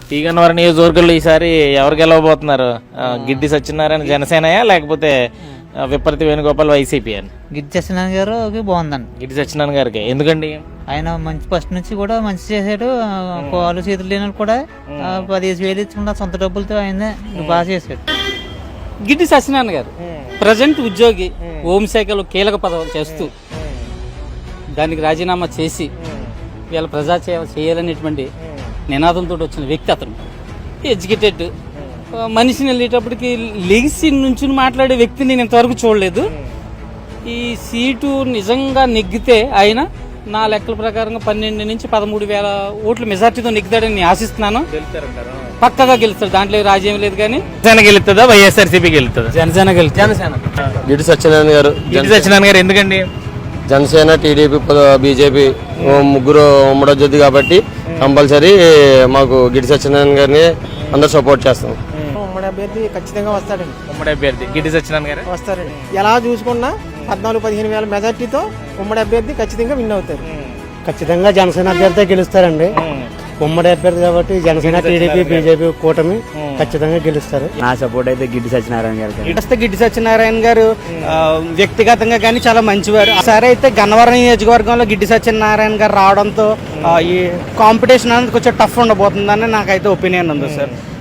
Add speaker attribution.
Speaker 1: P Gannavaram నియోజకవర్గంలో ఈసారి ఎవరు గెలవబోతున్నారు? గిడ్డి సత్యనారాయణ జనసేనయా లేకపోతే విపరీత వేణుగోపాల్ వైసీపీ అని?
Speaker 2: గిడ్డి సత్యనారాయణ గారు బాగుందండి.
Speaker 1: గిడ్డి సత్యనారాయణ గారికి ఎందుకండి?
Speaker 2: ఆయన మంచి ఫస్ట్ నుంచి కూడా మంచి చేశాడు. కాలు చేతులు లేని కూడా 15,000 ఇచ్చుకున్న సొంత డబ్బులతో ఆయన బాగా చేశాడు.
Speaker 3: గిడ్డి సత్యనారాయణ గారు ప్రజెంట్ ఉద్యోగి, హోంశాఖలో కీలక పదవులు చేస్తూ దానికి రాజీనామా చేసి వీళ్ళ ప్రజాసేవ చేయాలనేటువంటి నినాదంతో వచ్చిన వ్యక్తి అతను. ఎడ్యుకేటెడ్ మనిషిని వెళ్ళేటప్పటికి లెగిసి నుంచి మాట్లాడే వ్యక్తిని నేను ఇంతవరకు చూడలేదు. ఈ సీటు నిజంగా నెగ్గితే ఆయన నా లెక్కల ప్రకారంగా 12 నుంచి 13,000 ఓట్ల మెజార్టీతో నెగ్గుతాడని నేను ఆశిస్తున్నాను. పక్కగా గెలుస్తాడు, దాంట్లో రాజ్యం లేదు. కానీ
Speaker 1: జనసేన గెలుస్తుందా వైఎస్ఆర్సీపీ గెలుస్తుందా?
Speaker 3: జనసేన గెలుస్తుంది.
Speaker 1: జనసేన.
Speaker 4: గిడ్డి సత్యనారాయణ గారు.
Speaker 1: గిడ్డి సత్యనారాయణ గారు ఎందుకండి?
Speaker 4: జనసేన, టీడీపీ, బీజేపీ ముగ్గురు ఉమ్మడొద్దు కాబట్టి కంపల్సరీ మాకు గిడ్డి సత్యనారాయణ గారిని అందరు సపోర్ట్ చేస్తాం.
Speaker 5: ఉమ్మడి అభ్యర్థి ఖచ్చితంగా వస్తాడండి.
Speaker 1: ఉమ్మడి అభ్యర్థి గిడ్డి సత్యనారాయణ గారు
Speaker 5: వస్తారండి. ఎలా చూసుకున్నా 14-15,000 మెజార్టీతో ఉమ్మడి అభ్యర్థి ఖచ్చితంగా విన్ అవుతారు.
Speaker 6: ఖచ్చితంగా జనసేన అభ్యర్థి గెలుస్తారండి. ఉమ్మడి అభ్యర్థి కాబట్టి జనసేన, టీడీపీ, బీజేపీ కూటమి ఖచ్చితంగా గెలుస్తారు.
Speaker 7: నా సపోర్ట్ అయితే గిడ్డి సత్యనారాయణ గారికి.
Speaker 3: గిడ్డి సత్యనారాయణ గారు వ్యక్తిగతంగా కానీ చాలా మంచివారు. సరే అయితే గన్నవరం నియోజకవర్గంలో గిడ్డి సత్యనారాయణ గారు రావడంతో ఈ కాంపిటీషన్ అనేది కొంచెం టఫ్ ఉండబోతుందని నాకైతే ఒపీనియన్ ఉంది సార్.